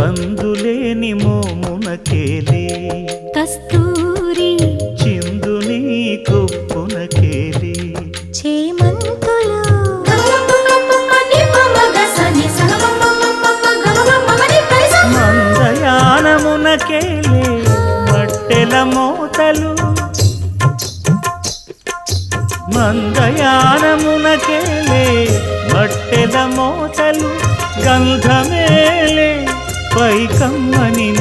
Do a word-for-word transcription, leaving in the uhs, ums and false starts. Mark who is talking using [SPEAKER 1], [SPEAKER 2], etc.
[SPEAKER 1] కందులేని మోమునకేలే
[SPEAKER 2] కస్తూరి
[SPEAKER 1] చిందుని కొప్పునకేలే
[SPEAKER 2] చేమంతులు
[SPEAKER 1] మందయానమునకేలే మట్టెల మోతలు మందయానమునకేలే మట్టెల మోతలు గంధమేలే పైకమ్మని